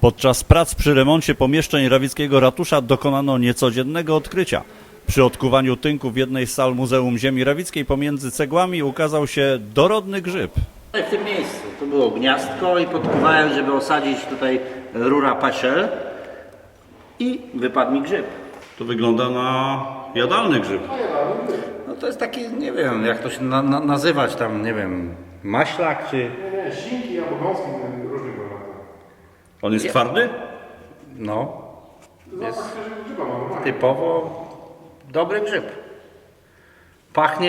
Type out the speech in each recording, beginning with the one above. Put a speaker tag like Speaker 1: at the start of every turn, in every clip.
Speaker 1: Podczas prac przy remoncie pomieszczeń rawickiego ratusza dokonano niecodziennego odkrycia. Przy odkuwaniu tynku w jednej z sal Muzeum Ziemi Rawickiej pomiędzy cegłami ukazał się dorodny grzyb.
Speaker 2: W tym miejscu tu było gniazdko i podkuwałem, żeby osadzić tutaj rura paszel i wypadł mi grzyb.
Speaker 1: To wygląda na jadalny grzyb.
Speaker 2: No to jest taki, nie wiem jak to się nazywać tam, nie wiem, maślak czy...
Speaker 3: Nie, sinki albo gąski różnych wariantów.
Speaker 1: On jest twardy?
Speaker 2: No, jest
Speaker 3: Zapach świeżego grzyba ma normalnie.
Speaker 2: typowo dobry grzyb. Pachnie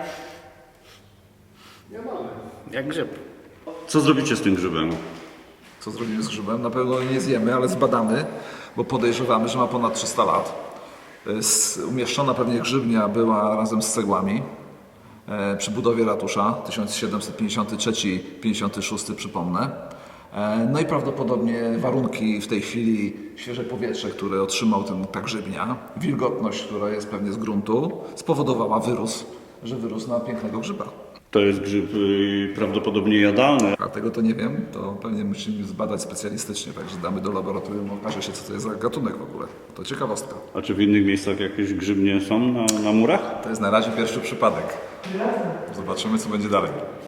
Speaker 2: jak grzyb.
Speaker 1: Co zrobicie z tym grzybem?
Speaker 4: Co zrobimy z grzybem? Na pewno nie zjemy, ale zbadamy, bo podejrzewamy, że ma ponad 300 lat. Umieszczona pewnie grzybnia była razem z cegłami przy budowie ratusza 1753-56 przypomnę. No i prawdopodobnie warunki w tej chwili, świeże powietrze, które otrzymał ta grzybnia, wilgotność, która jest pewnie z gruntu, spowodowała że wyrósł na pięknego grzyba.
Speaker 1: To jest grzyb prawdopodobnie jadalny.
Speaker 4: A tego to nie wiem, to pewnie musimy zbadać specjalistycznie, także damy do laboratorium, okaże się, co to jest za gatunek w ogóle. To ciekawostka.
Speaker 1: A czy w innych miejscach jakieś grzybnie są na murach?
Speaker 4: To jest na razie pierwszy przypadek. Zobaczymy, co będzie dalej.